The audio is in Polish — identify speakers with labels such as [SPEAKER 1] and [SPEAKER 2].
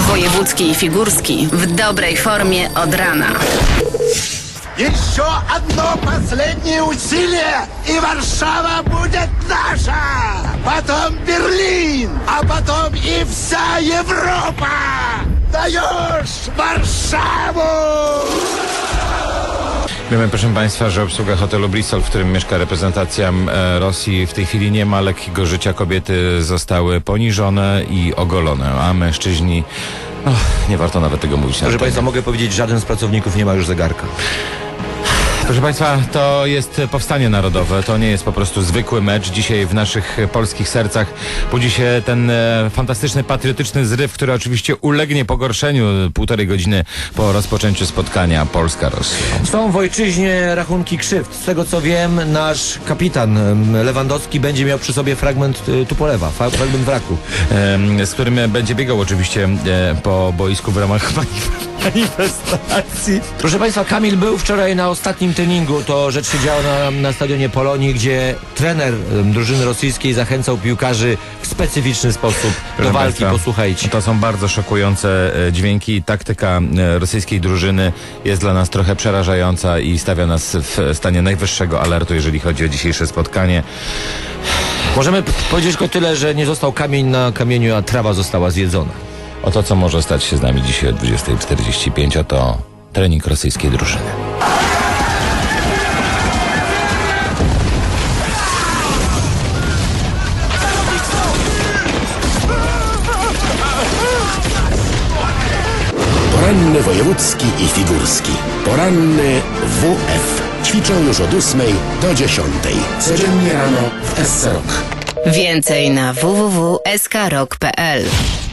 [SPEAKER 1] Wojewódzki i Figurski w dobrej formie od rana.
[SPEAKER 2] Еще одно последнее усилие, и Варшава будет наша! Потом Берлин, а потом и вся Европа! Даешь Warszawę!
[SPEAKER 3] Wiemy, proszę Państwa, że obsługa hotelu Bristol, w którym mieszka reprezentacja Rosji, w tej chwili nie ma lekkiego życia. Kobiety zostały poniżone i ogolone, a mężczyźni... nie warto nawet tego mówić.
[SPEAKER 4] Proszę Państwa, mogę powiedzieć, że żaden z pracowników nie ma już zegarka.
[SPEAKER 3] Proszę Państwa, to jest powstanie narodowe, to nie jest po prostu zwykły mecz. Dzisiaj w naszych polskich sercach budzi się ten fantastyczny, patriotyczny zryw, który oczywiście ulegnie pogorszeniu 1,5 godziny po rozpoczęciu spotkania Polska-Rosja.
[SPEAKER 4] Są w ojczyźnie rachunki krzywd. Z tego co wiem, nasz kapitan Lewandowski będzie miał przy sobie fragment Tupolewa, fragment wraku.
[SPEAKER 3] Z którym będzie biegał oczywiście po boisku w ramach manifestacji.
[SPEAKER 4] Proszę Państwa, Kamil był wczoraj na ostatnim treningu. To rzecz się działa na stadionie Polonii, gdzie trener drużyny rosyjskiej zachęcał piłkarzy w specyficzny sposób do walki.
[SPEAKER 3] Państwa,
[SPEAKER 4] posłuchajcie.
[SPEAKER 3] To są bardzo szokujące dźwięki. Taktyka rosyjskiej drużyny jest dla nas trochę przerażająca i stawia nas w stanie najwyższego alertu, jeżeli chodzi o dzisiejsze spotkanie.
[SPEAKER 4] Możemy powiedzieć tylko tyle, że nie został kamień na kamieniu, a trawa została zjedzona.
[SPEAKER 3] Oto, co może stać się z nami dzisiaj o 20:45, to trening rosyjskiej drużyny.
[SPEAKER 5] Poranny wojewódzki i figurski. Poranny WF. Ćwiczą już od 8 do 10. Codziennie rano w SC Rock.
[SPEAKER 1] Więcej na www.skrok.pl.